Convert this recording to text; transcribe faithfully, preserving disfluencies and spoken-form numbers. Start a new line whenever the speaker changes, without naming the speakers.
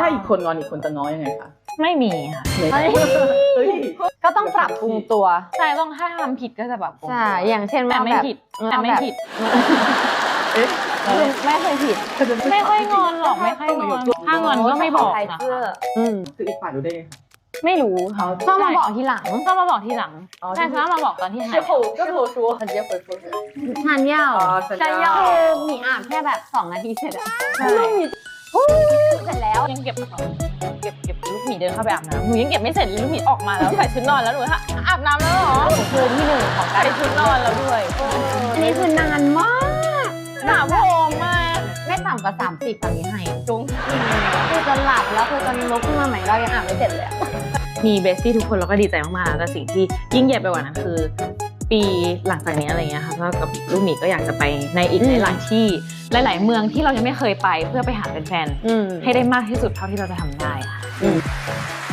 อีกคนงอนอีกคนจะง้อยังไงคะ
ไม่มีค่ะ
ก็ต้องปรับปรุงตัว
ใช่ต้องถ้าทำผิดก็จะแบบ
ใช่อย่างเช่น
แต่ไม่ผิดแต่ไม่ผิด
ไม่เคยผิด
ไม่ค่อยงอนหรอกไม่ค่อยงอนถ้างอนก็ไม่บอกนะคะ
คืออีกฝ่ายรู้ได้ไงคะ
ไม่รู้ค่ะ
ชอบมาบอกทีหลัง
ชอบมาบอกทีหลังใช่ชอบมาบอกตอนที่ถ่าย
ก็โทรชัวร์ทันเยอะเปิดตัว
ทานยาว
ทานยาว
คือมีอาบแค่แบบสองนาทีเสร็จอะ
ใช่
เสร็จแล้ว
ยังเก็บเก็บเก็บลูกหมีเดินเข้าไปอาบน้ำหนูยังเก็บไม่เสร็จลูกหมีออกมาแล้วใส่ชุดนอนแล้วหนูอาบน้ำแล้วเหรอ
คืนที่หนึ่งของการ
ใส่ชุดนอนแล้วด้วย
อันนี้คือนานมาก
หนาโพงมาก
ไม่ต่ำกว่าสามสิบตอนนี้ให้จุ้งคือจะหลับแล้วคือจะลุกขึ้นมาใหม่เรายังอาบไม่เสร็จเลย
มีเบสตี้ทุกคนเราก็ดีใจมากๆแต่สิ่งที่ยิ่งใหญ่ไปกว่านั้นคือปีหลังจากนี้อะไรเงี้ยค่ะก็กับลูกหมีก็อยากจะไปในอีกหลายๆที่หลายๆเมืองที่เรายังไม่เคยไปเพื่อไปหาแฟนๆให้ได้มากที่สุดเท่าที่เราจะทำได้ค่ะ